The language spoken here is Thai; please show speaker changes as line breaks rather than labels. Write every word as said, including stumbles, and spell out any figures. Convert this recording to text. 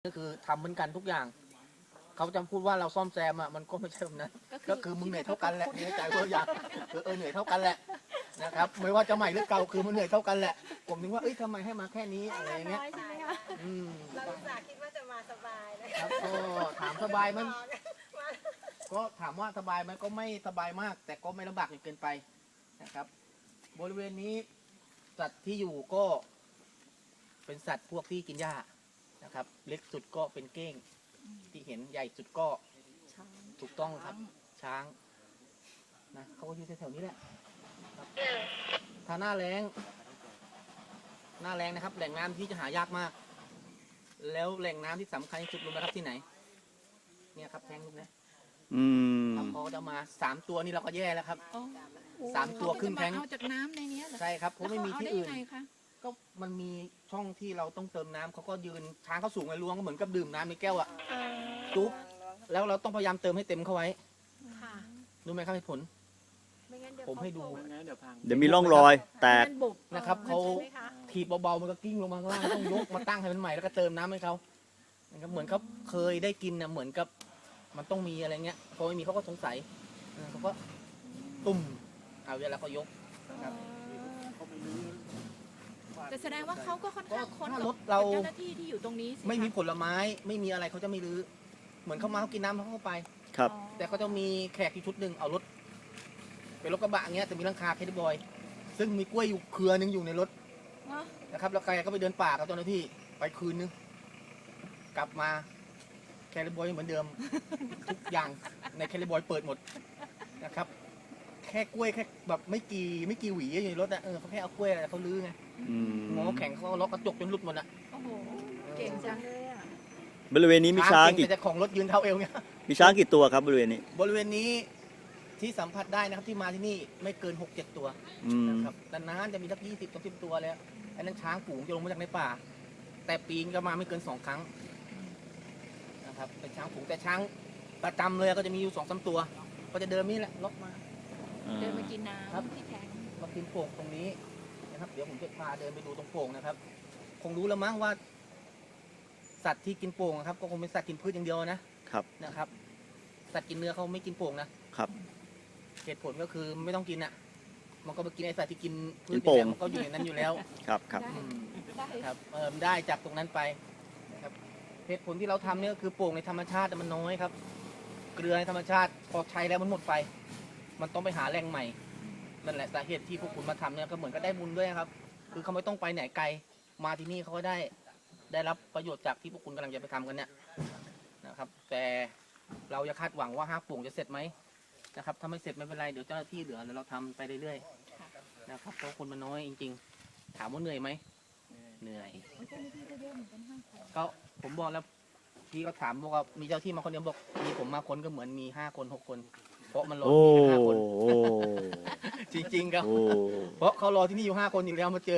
ก็คือทำเหมือนกันทุกอย่างเขาจะพูดว่าเราซ่อมแซมอ่ะมันก็ไม่ใช่แบบนั้นก็คือมึงเหนื่อยเท่ากันแหละในใจตัวอย่างเออเหนื่อยเท่ากันแหละนะครับไม่ว่าจะใหม่หรือเก่าคือมันเหนื่อยเท่ากันแหละผมนึกว่าเอ้ยทำไมให้มาแค่นี้อะไรอย่างเงี้ยอืม
เราอุตส่าห์คิดว่าจะมาสบายเลย
ครับก็ถามสบายมันก็ถามว่าสบายไหมก็ไม่สบายมาก แต่ก็ไม่ลำบากจนเกินไปนะครับ บริเวณนี้สัตว์ที่อยู่ก็ เป็นสัตว์พวกที่กินหญ้านะครับ เล็กสุดก็เป็นเก้งที่เห็นใหญ่สุดก็ถูกต้องครับช้างนะเขาก็อยู่แถวๆนี้แหละครับถ้าหน้าแล้งหน้าแล้งนะครับ แหล่งน้ำที่จะหายากมาก แล้วแหล่งน้ำที่สำคัญที่สุดรู้ไหมครับที่ไหนเนี่ยครับแทงลูกนะ
อืม
ครับเขาจะมาสามตัวนี่เราก็แย่แล้วครับ สามตัวครึ่งแทง
เอาจากน้ำในนี้เหรอ
ใช่ครับเพราะไม่มีที่อื่น
แล้วเขาเอาได้ยังไงคะ
ก็มันมีช่องที่เราต้องเติมน้ำเขาก็ยืนช้างเขาสูงไงล้วงก็เหมือนกับดื่มน้ำในแก้วอะจุ๊บแล้วเราต้องพยายามเติมให้เต็มเข้าไว้
ค่ะ
รู้ไหมครับเหตุผล
ไม่งั้นเดี๋ยว
ผมให้ดู
เดี๋ยวมีร่องรอยแตก
มันบุบ
นะครับเขา
ใช่ไหมคะ
ถีบเบาๆมันก็กิ้งลงมาข้างล่างต้องยกมาตั้งให้มันใหม่แล้วก็เติมน้ำให้เขานะครับเหมือนเขาเคยได้กินนะเหมือนกับมันต้องมีอะไรเงี้ยพอไม่มีเขาก็สงสัยเออเขาก็ตุ่มเอาเวลาเขายกนะครับ
แต่แสดงว่าเขาก็ค่อนข้างค้น
ถ้า
กับ
รถเรา
เจ้าหน้าที่ที่อยู่ตรงนี้สิคะ
ไม่มีผลไม้ไม่มีอะไรเขาจะไม่รื้อเหมือนเขามาเขากินน้ำเขาเข้าไป
ครับ
อ๋อ
แต่เขาจะมีแขกที่ชุดหนึ่งเอารถเป็นรถกระบะอย่างเงี้ยแต่มีหลังคาแคดดี้บอย ซึ่งมีกล้วยอยู่เครือหนึงอยู่ในรถ
อ๋อ
นะครับแล้วใครก็ไปเดินป่ากับเจ้าหน้าที่ไปคืนนึงกลับมาแคดดี้บอยเหมือนเดิม ทุกอย่างในแคดดี้บอยเปิดหมดนะครับ แค่กล้วยแค่แบบไม่กี่ไม่กี่หวีอยู่ในรถนะเออเขาแค่เอากล้วยอะไรเขาลื้อไง
อืม
งอแข็งเขาล็อกกระจกจนหลุดหมดอ่ะ
โอ้โหเก่งจัง
เลยอ่ะ
บริเวณนี้มีช้าง
เก่
กี่
แต่เจ้าของรถยืนเท้าเอวเงี้ย
มีช้างกี่ตัวครับบริเวณนี้
บริเวณนี้ที่สัมผัสได้นะครับที่มาที่นี่ไม่เกินหกเจ็ดตัว
อืม
นะครับนานๆจะมีสักยี่สิบสามสิบตัวแล้วอันนั้นช้างฝูงจะลงมาจากในป่า แต่ปีนก็มาไม่เกินสองครั้งนะครับเป็นช้างฝูงแต่ช้างประจำเลยก็จะมีอยู่สองสามตัว ก็จะเดินนี่แหละล็อกมา
เดินมากินน้
ครับ
ำที่แทง
มากินโป่งตรงนี้นะครับ เดี๋ยวผมจะพาเดินไปดูตรงโป่งนะครับ คงรู้แล้วมั้งว่า สัตว์ที่กินโป่งนะครับ ก็คงเป็นสัตว์กินพืชอย่างเดียวนะครับ นะครับ สัตว์กินเนื้อเขาไม่กินโป่งนะครับ เหตุผลก็คือไม่ต้องกินอ่ะ มันก็ไปกินไอสัตว์ที่กินพืช
กินโป่ง
มันก็อยู่ในนั้นอยู่แล้ว
ครับครับ
ได้
อืม
ได้
ครับเออได้จากตรงนั้นไปนะครับเหตุผลที่เราทำเนี่ยก็คือโป่งในธรรมชาติมันน้อยครับ เกลือในธรรมชาติพอใช้แล้วมันหมดไป มันต้องไปหาแหล่งใหม่นั่นแหละสาเหตุที่พวกคุณมาทำเนี่ยก็เหมือนก็ได้บุญด้วยครับ คือเขาไม่ต้องไปไหนไกลมาที่นี่เขาก็ได้ได้รับประโยชน์จากที่พวกคุณกำลังจะไปทำกันเนี่ยนะครับ แต่เราจะคาดหวังว่าห้าโป่งจะเสร็จไหมนะครับถ้าไม่เสร็จไม่เป็นไรเดี๋ยวเจ้าหน้าที่เหลือเดี๋ยวเราทำไปเรื่อยๆนะครับเพราะคนมันน้อยจริงๆ ถามว่าเหนื่อยไหมเหนื่อย ก็ผมบอกแล้วพี่ก็ถามบอกว่ามีเจ้าที่มาคนเดียวบอกมีผมมาคนก็เหมือนมีห้าคนหกคน เพราะมันรอ
โอ้
ที่นี่ห้าคน
โอ้
จริงๆครับ
โอ้
เพราะเขารอที่นี่อยู่ห้าคนอยู่แล้วมาเจอ